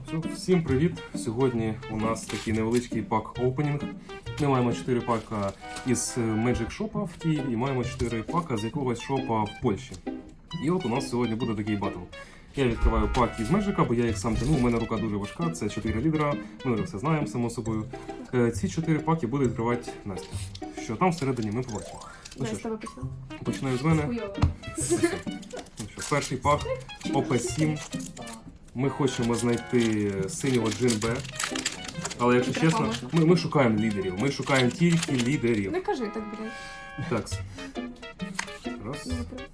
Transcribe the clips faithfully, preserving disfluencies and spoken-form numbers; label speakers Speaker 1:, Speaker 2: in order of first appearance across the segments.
Speaker 1: Всім привіт! Сьогодні у нас такий невеличкий пак-опенінг. Ми маємо чотири пака із Magic Shop в Києві і маємо чотири пака з якогось шопа в Польщі. І от у нас сьогодні буде такий батл. Я відкриваю пак із Magic, бо я їх сам тяну, у мене рука дуже важка, це чотири лідера, ми вже все знаємо, само собою. Ці чотири паки буде відкривати Настя. Що там всередині ми побачимо. Ну, що ж, починаю з мене. Ну, що, перший пак О Пе сім. Ми хочемо знайти синього Джин Бе. Але якщо чесно, ми, ми шукаємо лідерів. Ми шукаємо тільки лідерів.
Speaker 2: Не кажи так, блядь.
Speaker 1: Так. Раз.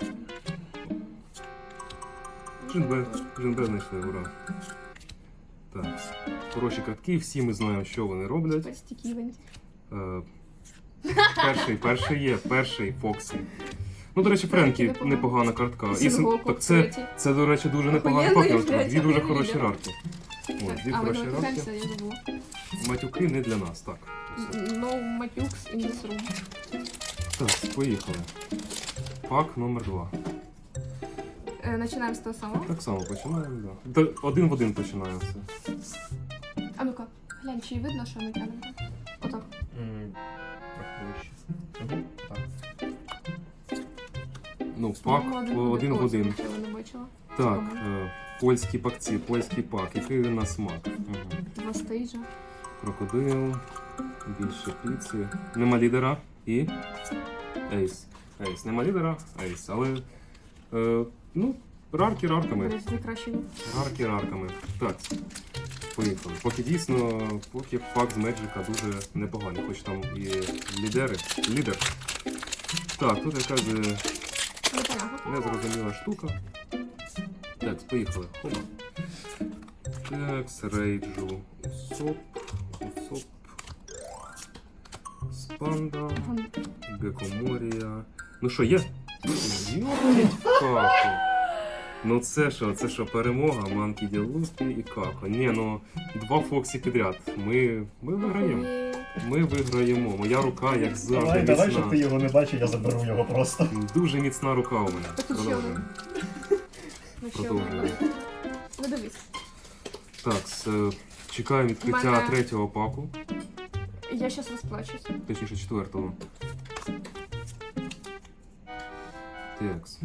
Speaker 1: Джин Бе. Джин Бе знайшли, ура. Так. Хороші картки, всі ми знаємо, що вони роблять. Е, перший, перший є, перший Фоксі. Ну, до речі, Френкі непогана картка. І, так це, це, до речі, дуже непогана пакетка. Дві дуже хороші рарки. О, дві
Speaker 2: а,
Speaker 1: хороші
Speaker 2: ви
Speaker 1: рарки.
Speaker 2: я забула.
Speaker 1: Матюки не для нас, так.
Speaker 2: No матюкс in this room.
Speaker 1: Так, поїхали. Пак номер два.
Speaker 2: Е, Починаємо з того самого.
Speaker 1: Так само починаємо, да. Та один в один починаємо все.
Speaker 2: А ну-ка, глянь, чи видно, що ми тянемо? Отак.
Speaker 3: Трохи вище. Угу. Так.
Speaker 1: Ну, пак один в один.
Speaker 2: Я не бачила.
Speaker 1: Так, е, польські пакці, польський пак. Який він на смак? Угу.
Speaker 2: Два стейджа.
Speaker 1: Крокодил, більше піци. Нема лідера і ейс. Ейс. Нема лідера, ейс. Але, е, ну, рарки рарками.
Speaker 2: Найкращими.
Speaker 1: Рарки рарками. Так, поїхали. Поки дійсно, поки пак з Меджика дуже непоганий, хоч там і лідери. Лідер. Так, тут якась незрозуміла штука. Так, поїхали. Хоба. Так, рейджу. Усоп. Усоп. Спанда. Гекоморія. Ну що, є? Йопніть каку. Ну це що, це що, перемога, Манкі Ді Лупі і Како. Ні, ну, два Фоксі підряд. Ми, ми виграємо. Ми виграємо. Моя рука, як завжди,
Speaker 3: Давай,
Speaker 1: міцна.
Speaker 3: давай, щоб ти його не бачив, я заберу його просто.
Speaker 1: Дуже міцна рука у мене.
Speaker 2: Так,
Speaker 1: Продовжуємо.
Speaker 2: Ну,
Speaker 1: Продовжуємо.
Speaker 2: Ну дивись.
Speaker 1: Так, с- чекаємо відкриття
Speaker 2: Мене-
Speaker 1: третього паку.
Speaker 2: Я зараз розплачусь.
Speaker 1: Точніше, четвертого. Текс.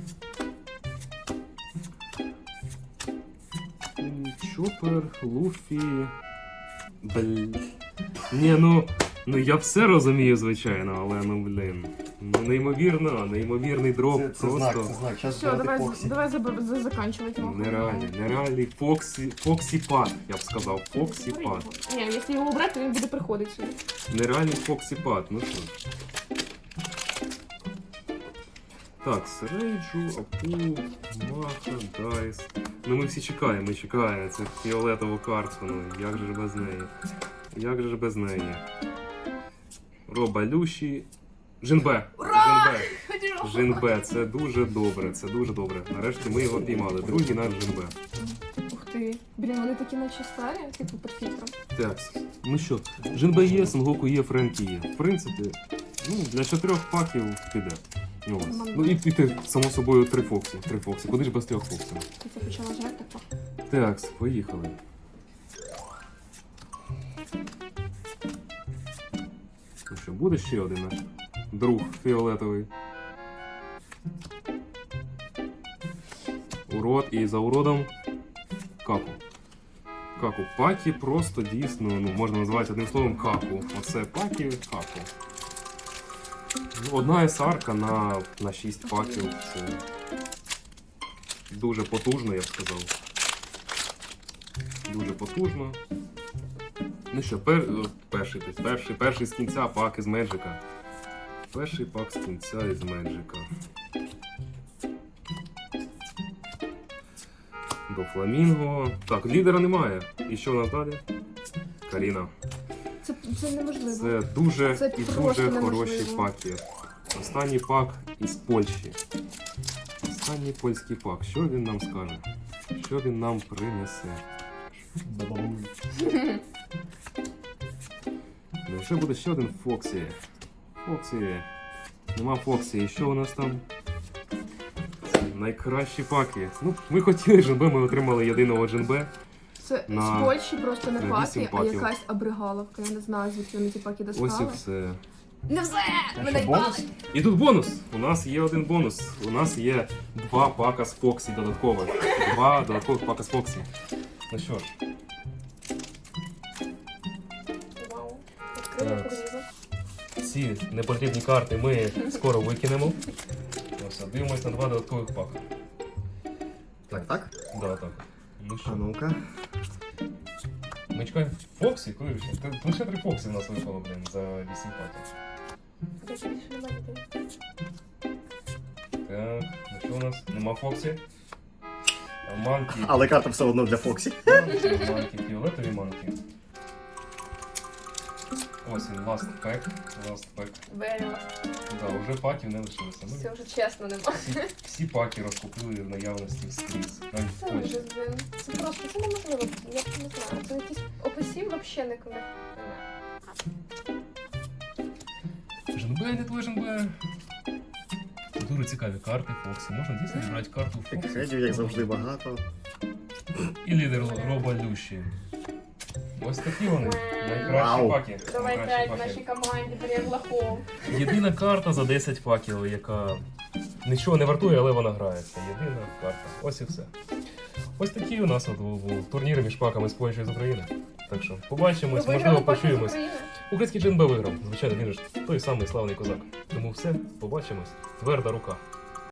Speaker 1: Чопер, Луфі. Блін. Ні, ну, ну я все розумію, звичайно, але ну блін. Ну неймовірно, неймовірний дроп.
Speaker 3: Це, це
Speaker 1: просто
Speaker 3: знак, це знак. Зараз
Speaker 2: Все,
Speaker 3: брати
Speaker 2: давай,
Speaker 3: Фоксі.
Speaker 2: давай заб- за- заканчувати. нахуй.
Speaker 1: нереальний, нереальний Фоксі, Фоксі пад, я б сказав. Фоксі пад.
Speaker 2: Ні, якщо його убрати, то він буде приходити сюди.
Speaker 1: Нереальний Фоксі пад, ну що ж. Так, Серейджу, Апу, Маха, Дайс. Ну ми всі чекаємо, ми чекаємо. Це фіолетову картку, ну як же ж без неї? Як же ж без неї? Роба Люші. Жинбе! Жинбе! Жинбе, це дуже добре, це дуже добре. Нарешті ми його піймали. Другий наш Жинбе.
Speaker 2: Ух ти. Блін, вони такі наче старі, типу під фільтром.
Speaker 1: Так, ну що, Жинбе є, Сенгоку є, Френкі є. В принципі, ну, для чотирьох паків піде. Ну, ось. Ну і, і ти, само собою, три Фоксі. Три Фоксі. Куди ж без трьох Фоксі?
Speaker 2: Ти це почала жарти, так?
Speaker 1: Так, поїхали. Ну що, буде ще один наш друг фіолетовий. Урод і за уродом Каку. Каку. Пакі просто дійсно, ну, можна назвати одним словом Каку. Оце Пакі Каку. Ну, одна есарка на, на шість паків. Це дуже потужно, я б сказав. Дуже потужно. Ну що, пер... перший, перший, перший з кінця пак із Меджика. Перший пак з кінця із Меджика. До Фламінго. Так, лідера немає. І що у нас далі? Каріна.
Speaker 2: Це, це неможливо.
Speaker 1: Це дуже
Speaker 2: Це
Speaker 1: і
Speaker 2: просто
Speaker 1: дуже
Speaker 2: неможливо.
Speaker 1: хороші паки. Останній пак із Польщі. Останній польський пак. Що він нам скаже? Що він нам принесе?
Speaker 3: Бабабуй.
Speaker 1: Ну, ще буде ще один Фоксі. Фоксі. Нема Фоксі. І що у нас там? Найкращі паки. Ну, ми хотіли Джинбе, ми отримали єдиного Джинбе.
Speaker 2: Це
Speaker 1: На-
Speaker 2: з Польщі просто не
Speaker 1: на
Speaker 2: паки,
Speaker 1: вісім
Speaker 2: а
Speaker 1: паків.
Speaker 2: якась абригаловка. Я не знаю, звідки вони ті паки
Speaker 1: Ось і
Speaker 2: достали.
Speaker 1: все.
Speaker 2: Не все!
Speaker 3: А
Speaker 2: Мене
Speaker 3: що,
Speaker 2: їбали!
Speaker 3: бонус?
Speaker 1: І тут бонус. У нас є один бонус. У нас є два пака з Фоксі додаткових. Два додаткових пака з Фоксі. Ну що ж,
Speaker 2: Вау. Відкрили
Speaker 1: Так.
Speaker 2: порізу.
Speaker 1: ці непотрібні карти ми скоро викинемо. Ось, дивимось на два додаткових пака.
Speaker 3: Так, так?
Speaker 1: Да, так. Ну
Speaker 3: А
Speaker 1: що,
Speaker 3: ну-ка.
Speaker 1: ми чекаємо Фоксі? Коли ще? Та лише три Фоксі в нас випало, блин, за вісім паків.
Speaker 2: Більше більше немає дітей.
Speaker 1: Так, ну що у нас? Нема Фоксі. А Манки.
Speaker 3: Але карта все одно для Фоксі.
Speaker 1: Манки, манки, фіолетові манки. Ось він, last pack. Last pack.
Speaker 2: Беріла.
Speaker 1: Да, вже паків не лишилося. Ми
Speaker 2: Все вже чесно нема.
Speaker 1: всі, всі паки розкупили в наявності скрізь. Навіть в
Speaker 2: Це
Speaker 1: Польщі.
Speaker 2: вже, блін. Це просто, це неможливо. Я не знаю. Це якісь описів взагалі ніколи немає.
Speaker 1: Женбе, не твой Женбе. Дуже цікаві карти Фоксі. Можна дійсно зібрати карту Фоксі.
Speaker 3: Хедів, як завжди, багато.
Speaker 1: І лідер Роба Лющі. Ось такі вони. Найкращі
Speaker 3: Вау.
Speaker 1: паки.
Speaker 2: Давай
Speaker 1: Найкращі
Speaker 2: п'ять в
Speaker 1: паки.
Speaker 2: нашій команді, Берег Лохов.
Speaker 1: Єдина карта за десять паків, яка нічого не вартує, але вона грається. Єдина карта. Ось і все. Ось такий у нас от був турнір між паками з Польщі і з України. Так що побачимось, можливо, почуємось. Український Джинбе виграв. Звичайно, він ж той самий славний козак. Тому все, побачимось. Тверда рука.